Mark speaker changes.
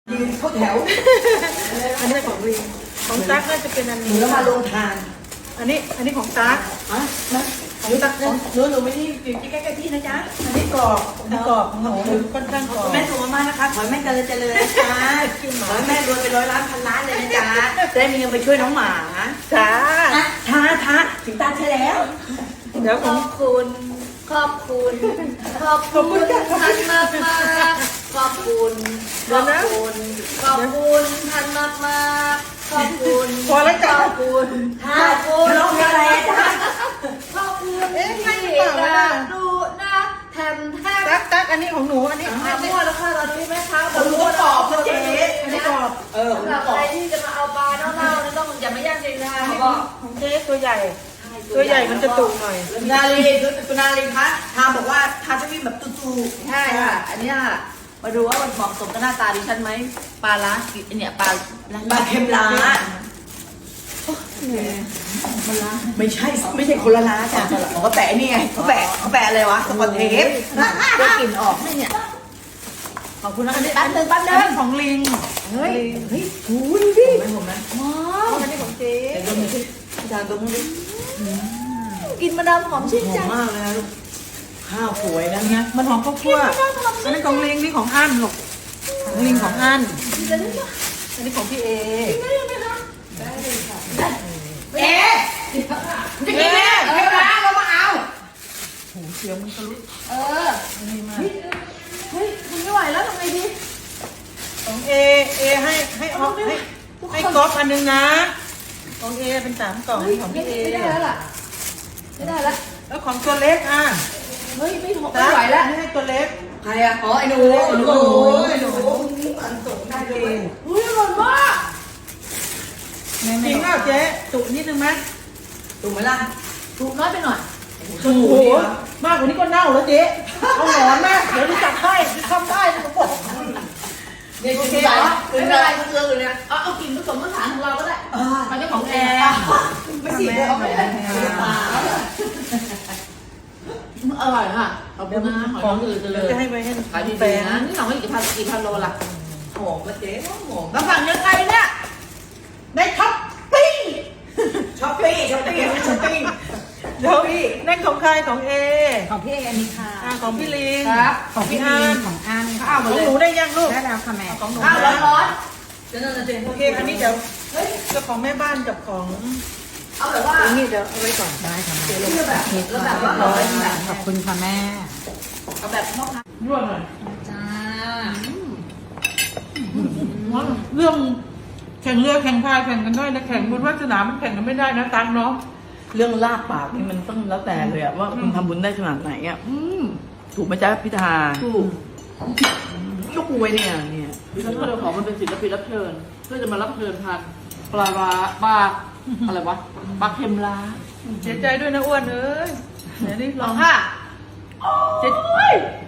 Speaker 1: ยืนเข้าแถว
Speaker 2: อันนี้ของลิงของตั๊กน่าจะเป็นอัน
Speaker 1: หนู
Speaker 2: นี้
Speaker 1: แล้วมาลงทาน
Speaker 2: อันนี้ของตั๊ก
Speaker 1: อ่ะนะของตักหนูไม่ได้อยู่ที่ใกล้ๆพี่นะจ๊ะ
Speaker 2: อันนี้กรอบอันนี้กรอบของหนูค่อนข้างกรอบ
Speaker 1: แม่ส่งมานะคะขอให้แม่เจริญนะจ๊ะขอให้แม่รวยไป100 ล้านพันล้านเลยนะจ๊ะจะได้มีเงินไปช่วยน้องหมา
Speaker 2: จ้า
Speaker 1: ท้าถึงตาใช่แล้ว
Speaker 2: เดี๋ยว
Speaker 3: ข
Speaker 2: ของ
Speaker 3: อบคุณขอบคุณขอบคุณท่านมากมากขอบคุณขอบคุณขอบคุณท่านมากมากขอบคุณ
Speaker 2: พอแล้วจ้ะ
Speaker 3: ขอบคุณขอบคุณ
Speaker 1: ร้องเพลงอะไรจ๊ะ
Speaker 3: ขอบคุณ
Speaker 2: เอ๊ะใช่หรือเปล่าล่ะ
Speaker 3: ดูนะแถมแถม
Speaker 2: ตั๊กอันนี้ของหนูอันนี้
Speaker 3: มั่วแล้วค่ะตอนนี้แม่ค้า
Speaker 1: หนูก็ตอบนะเจ๊
Speaker 2: อันนี้กรอบ
Speaker 3: สำหรับใครที่จะมาเอาปลาเน่าๆนี่ต้องอย่ามาย่างเองนะคะเขาบอก
Speaker 2: ของเจ๊ตัวใหญ่ ตัวใหญ่มันจะตุ่หน่อย
Speaker 1: คุณนาลีคุณนาลีคะทาบอกว่าทาจะมีแบบตู
Speaker 3: ใช่ค่ะ อันนี้ค่ะมาดูว่ามันเหมาะสมกับหน้าตาดิฉันไหมปลาล้าเนี่ยปลา
Speaker 1: บาเค็มล้าไม่ใช่คนละล้าจ้ะเขาแปะนี่ไงเขาแปะอะไรวะสกอตเทป
Speaker 3: ได้กลิ่นออกไหมเนี่ยขอบคุณนะคะแป๊บนึง
Speaker 2: อันนี้ของลิง
Speaker 3: เฮ้ย
Speaker 1: โอ้ดูดิไม่ผมนะ
Speaker 3: ว้าว
Speaker 2: อันนี้ของเจ๊
Speaker 1: แต่ดมดิจานดมดิ
Speaker 3: กินมะนาวหอมชื่น
Speaker 1: หอ
Speaker 3: ใจ
Speaker 1: มมากเลยนะลูกข้าวสวยนะ
Speaker 2: นะมันหอมข้าวคั่วอันนี้ของลิงนี่ของอั้นลูกของลิงของอั้น
Speaker 3: จะได้ไหม
Speaker 2: อันนี้ของพี่เอ
Speaker 3: ได้ไหมคะได้เลยค่ะ
Speaker 1: เอ๊ะจะกินไหมเทปล้าเรามาเอา
Speaker 2: โหเสียวมันทะลุ
Speaker 3: เออ
Speaker 2: นี่มาก
Speaker 3: เฮ้ยคุณไม่ไหวแล้วทำไงดี
Speaker 2: ของเอให้ออกให้ก๊อฟอันนึงนะของเอเป็น3 กล่องของพี่เอ
Speaker 3: ไม่ได้แล้วล่ะไม่ได้แล้ว
Speaker 2: แล้วของตัวเล็กอ่ะ
Speaker 3: เฮ้ยไม่ไหวแล้ว
Speaker 2: อันนี้ให้ตัวเล็ก
Speaker 1: ใครอ่ะอ๋อไอ้หนูนี่อันส่งได้ด้วย
Speaker 3: อุ้ยอร่อยมาก
Speaker 2: จริงเปล่าเจ๊จุนิดนึงไหม
Speaker 1: ถูกไหมล่ะ
Speaker 3: ถูกน้อยไปหน่อย
Speaker 2: โอ้โหมากกว่านี้ก็เน่าแล้วเจ๊เอาหนอนมากเดี๋ยวรู้จักให้ทำได้ทุกคน
Speaker 1: เนี่ย
Speaker 3: โอ
Speaker 1: กิน
Speaker 3: เค
Speaker 1: ไป
Speaker 3: เหรอ
Speaker 1: กิ
Speaker 3: ไม่
Speaker 1: น
Speaker 3: เป็น
Speaker 1: ไป
Speaker 3: ไรมันเกลืออยู่เนี่ยเอากลิ่นผสมผสานของเราก็ได้มันเป็นของแอร์
Speaker 1: ไม่สิเอาไม่ได้ตา
Speaker 3: อร่อยค่ะขอบคุณนะหอย
Speaker 2: ข
Speaker 3: น
Speaker 2: อ
Speaker 3: าง งอื่นจะเล
Speaker 2: เดี๋ยวย จะให้ไปให้
Speaker 3: ขายดี
Speaker 2: แฟน
Speaker 3: ๆนะนี่หนองกี่พันโลล่ะ
Speaker 1: หอมนะเจ๊หอม
Speaker 3: แล้วสั่งยังไงเนี่ย
Speaker 2: ในท็อปปิ้ง
Speaker 1: ช้อปปี้
Speaker 2: เดี๋ยวนั่นของใครของเอ
Speaker 4: ของพี่เออันนี้ค่ะ
Speaker 2: ของพี่ลิง
Speaker 3: ครับ
Speaker 4: ของพี่
Speaker 2: อั
Speaker 4: ลิ
Speaker 2: น
Speaker 4: นของอัน
Speaker 3: ข้าว
Speaker 2: ข
Speaker 3: มา
Speaker 2: อง
Speaker 3: เลย
Speaker 2: หนูได้ยังลูก
Speaker 4: ได้แล้วค่ะแม่
Speaker 2: ของหนู
Speaker 3: ข้าวร้อน
Speaker 1: เจ๊นั่นนะเจ๊
Speaker 2: โอเคอันนี้เดี๋ยวเจ้าของแม่บ้านกับของ
Speaker 3: ๆเอาแบบว่า
Speaker 2: อันนี้เดี๋ยวเอาไว้ก่อน
Speaker 4: ได้ค่ะแม่
Speaker 3: เพื่อแบบแล้วแบบว่าร้อยแบบ
Speaker 4: ขอบคุณค่ะแม่
Speaker 3: เอาแบบพ่อค้า
Speaker 2: ยั่วหน่อย
Speaker 4: จ้า
Speaker 2: เรื่องแข่งเรือแข่งพายแข่งกันได้นะแข่งบนวัดสนามมันแข่งกันไม่ได้นะตังเนาะ
Speaker 1: เรื่องลาบปากนี่มันต้องแล้วแต่เลยอะว่าคุณทำบุญได้ขนาดไหนอะถูกไหมจ๊ะพิธา
Speaker 3: ถูก
Speaker 1: ยกมวยเนี่ย
Speaker 3: ดิฉันก็เลยขอมันเป็นศิลปินรับเชิญเพื่อจะมารับเชิญทานปลาร้าปลาอะไรวะปลาเค็มล้า
Speaker 2: เสียใจด้วยนะอ้วนเอ้ยเดี๋ยวนี้
Speaker 3: ล
Speaker 2: ล
Speaker 3: อ
Speaker 2: อง ง
Speaker 3: ค่ะ
Speaker 2: เจ๊